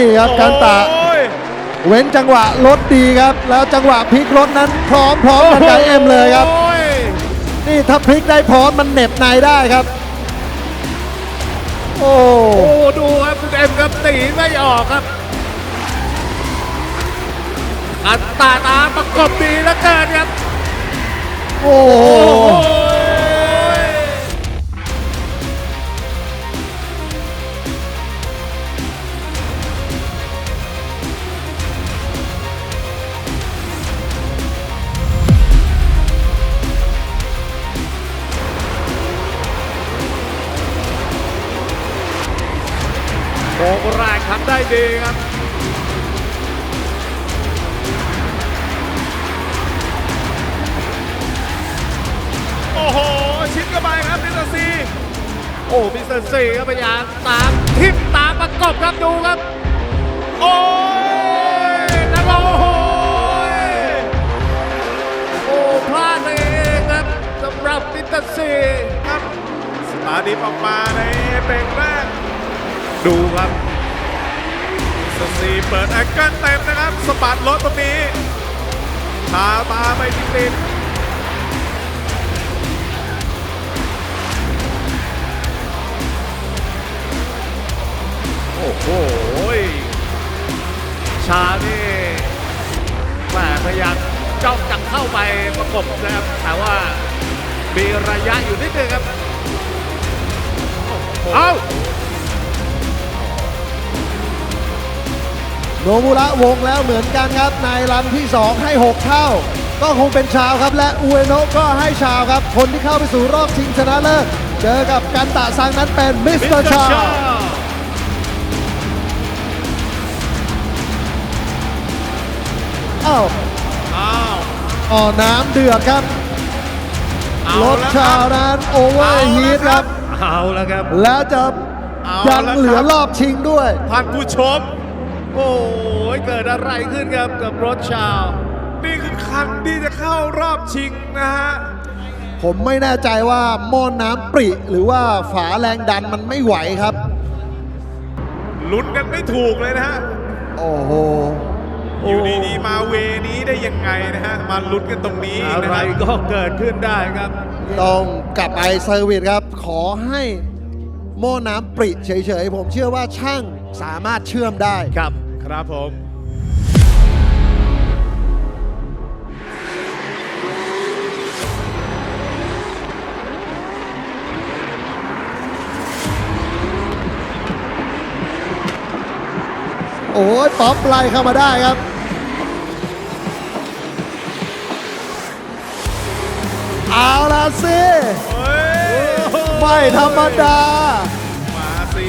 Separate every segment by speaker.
Speaker 1: นี่ครับกันตะเว้นจังหวะรถดีครับแล้วจังหวะพลิกรถนั้นพร้อมกันกับเอ็มเลยครับนี่ถ้าพลิกได้พร้อมมันเหน็บในได้ครับโอ้
Speaker 2: ดูครับคุณเอ็มครับตีไม่ออกครับกันตาตามประกบดีแล้วเกินครับ
Speaker 1: โอ้
Speaker 2: โค้งแรกทำได้ดีครับโอ้โหชิดเข้าไปครับมิสเตอร์ซีโอ้มิสเตอร์ซีก็พยายามตามทิปตามประกบครับดูครับโอ้ยนักโอ้พลาดเองครับสำหรับมิสเตอร์ซีครับสตาร์ดิฟออกมาในเบรกแรกดูครับมิสเตอร์ซีเปิดแอคเกิลเต็มนะครับสปาร์ตรถตรงนี้พามาไปติดโอ้โหชานี่แหมพยายามจ้องจังเข้าไปประกบนะครับแต่ว่ามีระยะอยู่นิดนึงครับเอา
Speaker 1: โนมุระวงแล้วเหมือนกันครับในรันที่2ให้6เท่าก็คงเป็นชาวครับและอุเอโนะก็ให้ชาวครับคนที่เข้าไปสู่รอบชิงชนะเลิศเจอกับกันตะซังนั้นเป็นมิสเตอร์ชาวอ้าวน้ำเดือดครับรถชาวนั้นโอเวอร์ฮีทครับ
Speaker 2: เอาแล้วครับ
Speaker 1: แล้วจะยังเหลือรอบชิงด้วย
Speaker 2: ท่านผู้ชมโอ้ยเกิดอะไรขึ้นครับกับรถชาวนี่คือคันที่จะเข้ารอบชิงนะฮะ
Speaker 1: ผมไม่แน่ใจว่าหม้อน้ำปริหรือว่าฝาแรงดันมันไม่ไหวครับ
Speaker 2: ลุ้นกันไม่ถูกเลยนะฮะ
Speaker 1: โอ้โห
Speaker 2: อยู่ดีๆมาเวนี้ได้ยังไงนะฮะมาลุ้นกันตรงนี้อะไรก็เกิดขึ้นได้ครับ
Speaker 1: ต้องกลับไปเซอร์วิสครับขอให้หม้อน้ำปริเฉยๆผมเชื่อว่าช่างสามารถเชื่อมได้
Speaker 2: ครับผม
Speaker 1: โอ้ยป๊อปไล่เข้ามาได้ครับเอาละสิไม่ธรรมดา
Speaker 2: มาสิ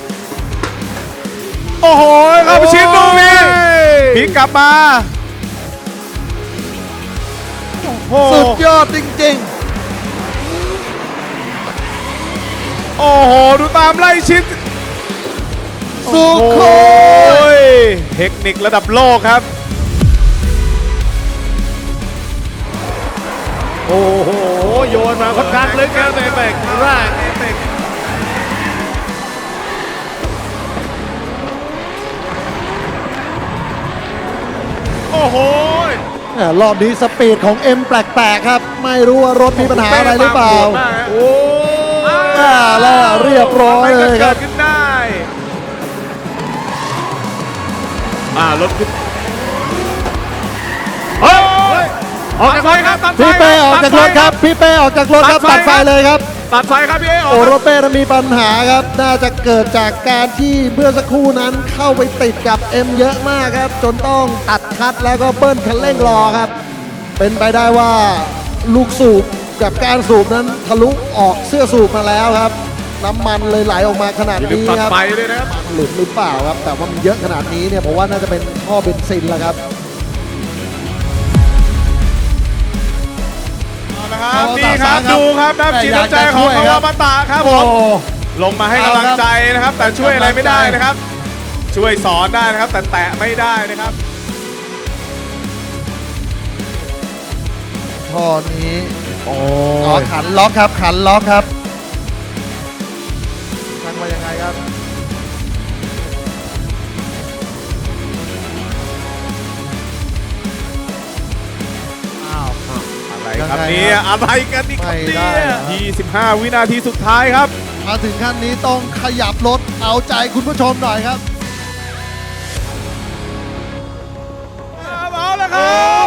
Speaker 2: โอ้โหเข้าไปชิดลูกนี้พลิกกลับมา
Speaker 1: สุดยอดจริง
Speaker 2: ๆโอ้โหดูตามไล่ชิด
Speaker 1: สุโขย
Speaker 2: เทคนิคระดับโลกครับโอ้โหโยนมาค่อนข้างลึกครับในเบรกแรกโอ้โห
Speaker 1: รอบนี้สปีดของเอ็มแปลกๆครับไม่รู้ว่ารถมีปัญหาอะไรหรือเปล่า
Speaker 2: โอ้
Speaker 1: แล้วเรียบร้อยเลยครับ
Speaker 2: ขึ้นได้รถขึ้นออกจากไฟครับ
Speaker 1: พี่เป้ออกจากรถครับพี่เป้ออกจากรถครับตัดไฟเลยครับ
Speaker 2: ตัดไฟครับพี่
Speaker 1: โอ้รถเป้มีปัญหาครับน่าจะเกิดจากการที่เมื่อสักครู่นั้นเข้าไปติดกับเอ็มเยอะมากครับจนต้องตัดคัดแล้วก็เบิ้ลคันเร่งรอครับเป็นไปได้ว่าลูกสูบกับการสูบนั้นทะลุออกเสื้อสูบมาแล้วครับน้ำมันเลยไหลออกมาขนาดนี้ครับหลุดหรือเปล่าครับแต่ว่ามันเยอะขนาดนี้เนี่ยผมว่าน่าจะเป็นท่อเบนซินแล้วครับ
Speaker 2: นี่ครับดูครับน้ำจิตน้ำใจของคาวามาตะครับผมลงมาให้กำลังใจนะครับแต่ช่วยอะไรไม่ได้นะครับช่วยสอนได้นะครับแต่แตะไม่ได้นะครับ
Speaker 1: ท่อนี้ขันล็อกครับขันล็อกครับตั้งมายังไงครับยัง
Speaker 2: ครับ
Speaker 1: ไง
Speaker 2: นี้
Speaker 1: ครับ
Speaker 2: อะไรกันนี่ครับ
Speaker 1: ไม่
Speaker 2: เนี่
Speaker 1: ได้
Speaker 2: ย
Speaker 1: เหรอ
Speaker 2: 25 วินาทีสุดท้ายครับ
Speaker 1: มาถึงขั้นนี้ต้องขยับรถเอาใจคุณผู้ชมหน่อยครับ
Speaker 2: เอาละครับ